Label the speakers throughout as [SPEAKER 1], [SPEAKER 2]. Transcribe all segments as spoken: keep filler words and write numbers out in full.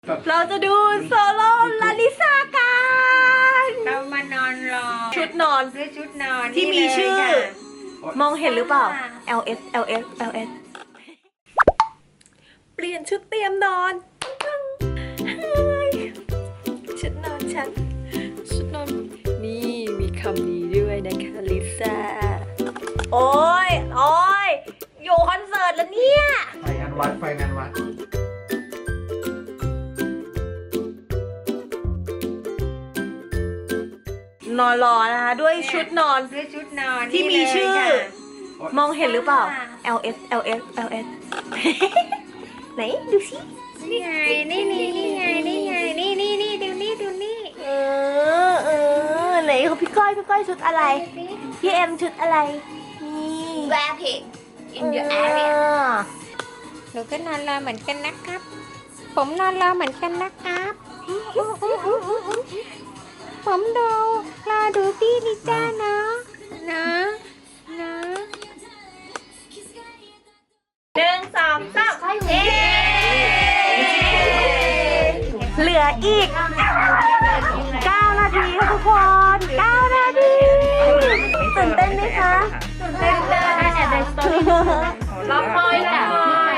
[SPEAKER 1] เราจะดูโซโล่ลาลิซากัน
[SPEAKER 2] เรามานอนรอ
[SPEAKER 1] ชุดนอน
[SPEAKER 2] ซื้อชุดนอน
[SPEAKER 1] ที่มีชื่อ
[SPEAKER 2] นี่เลยค่ะ
[SPEAKER 1] มองเห็นหรือเปล่า L S L S L S เปลี่ยนชุดเตรียมนอนชุดนอนฉันชุดนอนนี่มีคำนี้ด้วยนะคะลิซ่าโอ้ยโอ้ยอยู่คอนเสิร์ตแล้วเนี่ย
[SPEAKER 3] ไฟงานวัดไฟงานวัด
[SPEAKER 1] นอนรอนะคะด้วยชุดนอน
[SPEAKER 2] ซื้อชุดนอน
[SPEAKER 1] ที่มีชื่อ
[SPEAKER 2] นี่เลยค่ะ
[SPEAKER 1] มองเห็นหรือเปล่า L S L S L S ไหนดูสิ
[SPEAKER 2] นี่ไงนี่นี่นี่ไงนี่ไงนี่นี่นี่ดูนี่ดูนี่
[SPEAKER 1] เออเออไหนของพี่ก้อยพี่ก้อยชุดอะไรพี่เอ็มชุดอะไรนี่
[SPEAKER 2] Wrapping in your
[SPEAKER 1] เอ
[SPEAKER 2] area
[SPEAKER 1] อ
[SPEAKER 2] หนูก็นอนรอเหมือนกันนะครับ ผมนอนรอเหมือนกันนะครับผมดูรอดูพี่ดิจ้านะนะนะ
[SPEAKER 1] หนึ่งสองสามเย้เหลืออีกเก้านาทีค่ะทุกคนเก้านาทีตื่นเต้นไหมคะตื่นเต้นเลยแอบในสตอรี่รอคอยหน่อย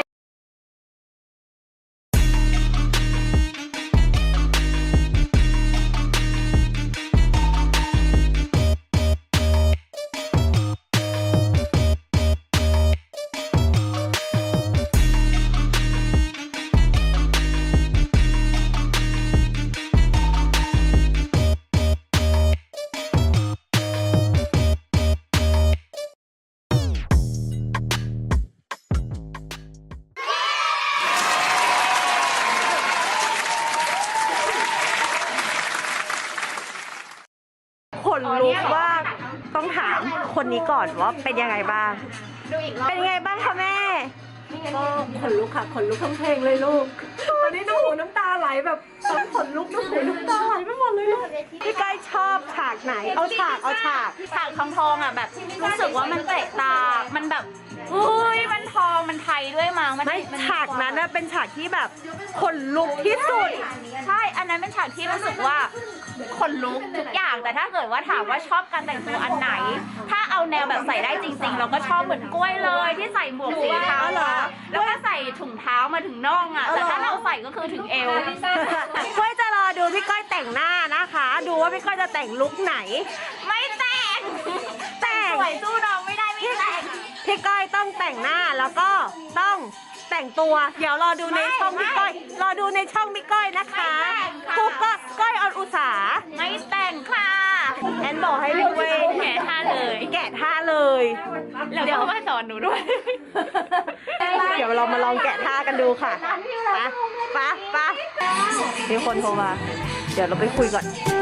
[SPEAKER 1] ขนลุกว่าต้องถามคนนี้ก่อนว่าเป็นยังไงบ้าง เป็นยังไงบ้างคะแม่ก็ขนลุกค่ะขนลุกทั้งเพลงเลยลูกตอนนี้น้ำหูน้ำตาไหลแบบทั้งขนลุกน้ำหูน้ำตาไหลไปหมดเลยลูกพี่ก้อยชอบฉากไหนเอาฉากเอาฉาก
[SPEAKER 4] ฉากทองทองอ่ะแบบรู้สึกว่ามันเตะตา มันแบบอุ้ยมันทองมันไทยด้วยมั้งมัน
[SPEAKER 1] ไม่
[SPEAKER 4] มัน
[SPEAKER 1] ฉากนั้นนะเป็นฉากที่แบบขนลุกที่สุด
[SPEAKER 4] ใช่อันนั้นเป็นฉากที่รู้สึกว่าขนลุกทุกอย่างแต่ถ้าเกิดว่าถามว่าชอบการแต่งตัวอันไหน ถ้าเอาแนวแบบใส่ได้จริงๆ เราก็ชอบเหมือนกล้วยเลยที่ใส่หมวกสีเท้าอะแล้วก็ใส่ถุงเท้ามาถึงน่องอ่ะแต่ถ้าเราใส่ก็คือถึงเอว
[SPEAKER 1] ก้อยจะรอดูพี่ก้อยแต่งหน้านะคะ ดูว่าพี่ก้อยจะแต่งลุคไหน
[SPEAKER 4] ไม่แต่ง
[SPEAKER 1] แต่ง
[SPEAKER 4] สวยสู้น้องไม่ได้ไม่แต่ง
[SPEAKER 1] พี่ก้อยต้องแต่งหน้าแล้วก็ต้องแต่งตัว เดี๋ยวรอดูในช่องพี่ก้อย รอดูในช่องพี่ก้อยนะคะกูก็ก้อยออนอุสา
[SPEAKER 4] ไม่แต่งค่ะ
[SPEAKER 1] แอนบอกให้ดูเว้ย
[SPEAKER 4] แกะท่าเลย
[SPEAKER 1] แกะท่าเลย
[SPEAKER 4] แล้วก็มาสอนหนูด้วย
[SPEAKER 1] เดี๋ยวเรามาลองแกะท่ากันดูค่ะไปไปไปมีคนโทรมา เดี๋ยวเราไปคุยก่อน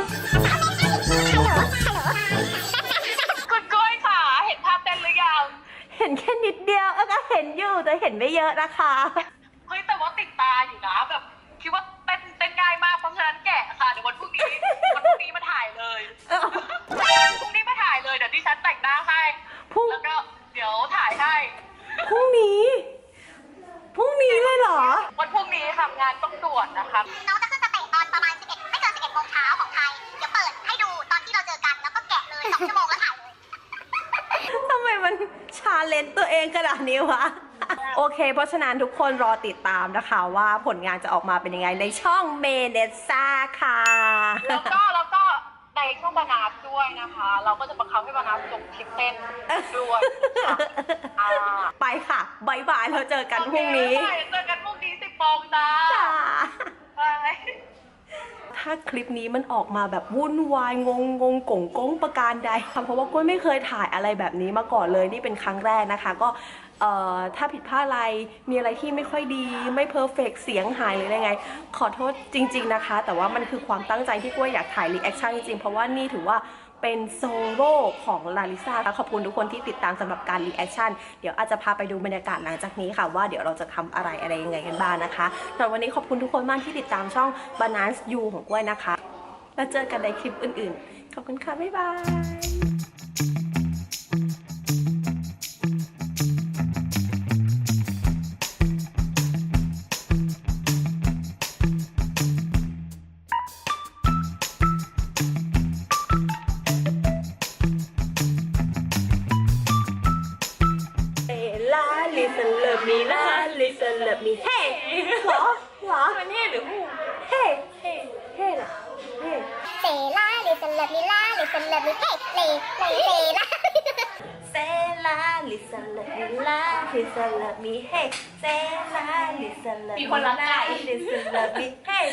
[SPEAKER 4] คุณก้อยค่ะ เห็นภาพเต้นหรือยัง
[SPEAKER 1] เห็นแค่นิดเดียวเออก็เห็นอยู่แต่เห็นไม่เยอะนะคะ
[SPEAKER 5] เฮ้ยแต่ว่าติดตาอยู่นะแบบคิดว่าเต้นเต้นง่ายมากเพราะฉะนั้นแกะค่ะเดี๋ยววันพรุ่งนี้วันพรุ่งนี้มาถ่ายเลยพรุ่งนี้มาถ่ายเลยเดี๋ยวดิฉันแต่งหน้าให้
[SPEAKER 1] พรุ่ง
[SPEAKER 5] แล้วก็เดี๋ยวถ่ายให้
[SPEAKER 1] พรุ่งนี้ พรุ่งนี้เลยเหรอ
[SPEAKER 5] วันพรุ่งนี้ทำงานต้องด่วนนะคะ
[SPEAKER 6] น้องจะขึ้นสเตจตอนประมาณสิบเอ็ดไม่เกินสิบเอ็ดโมงเช้าของไทย เดี๋ยวเปิดให้ดูตอนที่เราเจอกัน แล้วก็แกะเลยสองชั่วโมงแล้วถ่ายเลย
[SPEAKER 1] ทำไมมันชาเลนจ์ตัวเองขนาดนี้วะ โอเค เพราะฉะนั้นทุกคนรอติดตามนะคะว่าผลงานจะออกมาเป็นยังไงในช่องเมเนซ่าค่ะ
[SPEAKER 5] แล้วก็แล้วก็ในช่วงบานาสด้วยนะคะ เราก็จะบังคับให้บานาสลงคลิปเต้นด้วยค่ะอ่า
[SPEAKER 1] ไปค่ะบายบายเราเจอกันพรุ่งนี้
[SPEAKER 5] โอเคบ๊ายบายเจอกันพรุ่งนี้สิบโมงจ้า
[SPEAKER 1] จ้า
[SPEAKER 5] บาย
[SPEAKER 1] ถ้าคลิปนี้มันออกมาแบบวุ่นวายงงงงกงกงประการใดเพราะว่าก้อยไม่เคยถ่ายอะไรแบบนี้มาก่อนเลยนี่เป็นครั้งแรกนะคะ ก็เอ่อถ้าผิดพลาดอะไรมีอะไรที่ไม่ค่อยดีไม่เพอร์เฟกเสียงหายหรืออะไรไง ขอโทษจริงๆนะคะ แต่ว่ามันคือความตั้งใจที่ก้อยอยากถ่ายรีแอคชั่นจริงๆเพราะว่านี่ถือว่าเป็นโซโล่ของลาลิซ่าขอบคุณทุกคนที่ติดตามสำหรับการรีแอคชั่นเดี๋ยวอาจจะพาไปดูบรรยากาศหลังจากนี้ค่ะว่าเดี๋ยวเราจะทำอะไรอะไรยังไงกันบ้างนะคะสำหรับวันนี้ขอบคุณทุกคนมากที่ติดตามช่อง Banana You ของก้อยนะคะแล้วเจอกันในคลิปอื่นๆขอบคุณค่ะบ๊ายบาย me เฮ้เหรอเหรอ
[SPEAKER 4] มันนี่หรือหู
[SPEAKER 1] เฮ้เฮ้เฮ้เหรอเฮ้
[SPEAKER 6] เซล่าลิซันเลิฟมิล่าลิซันเลิฟมิเฮ้เลเลเซล่า
[SPEAKER 1] เซลาลิซาเลมิลาลิซาเลมิเฮ้เซลาลิซาเลมิ
[SPEAKER 4] มีคนรักไก่
[SPEAKER 1] ลิซาเลมิเฮ้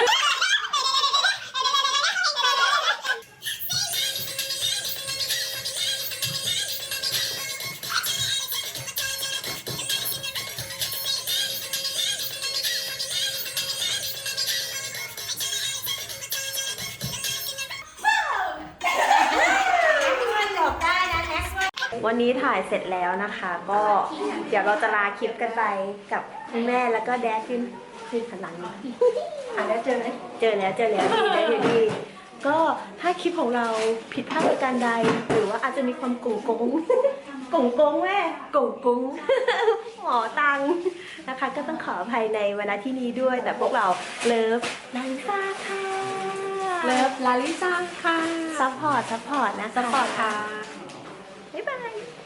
[SPEAKER 1] วันนี้ถ่ายเสร็จแล้วนะคะ ก็เดี๋ยวเราจะลาคลิปกันไปกับคุณแม่แล้วก็แดดขึ้นขึ้นพลังอ่ะแล้วเจอไหมเจอแล้วเจอแล้วดีได้ดีก็ถ้าคลิปของเราผิดพลาดประการใด หรือว่าอาจจะมีความโกงโกงโกงโกงแม่โกงโกงหมอตังนะคะ ก็ต้องขออภัยในเวลาที่นี้ด้วย แต่พวกเราเลิฟลาลิซ่าค่ะ
[SPEAKER 2] เลิฟลาลิซ่าค่ะ
[SPEAKER 1] ซัพพอร์ตซัพพอร์ตนะคะ
[SPEAKER 2] สปอร์ตค่ะ
[SPEAKER 1] บ๊ายบาย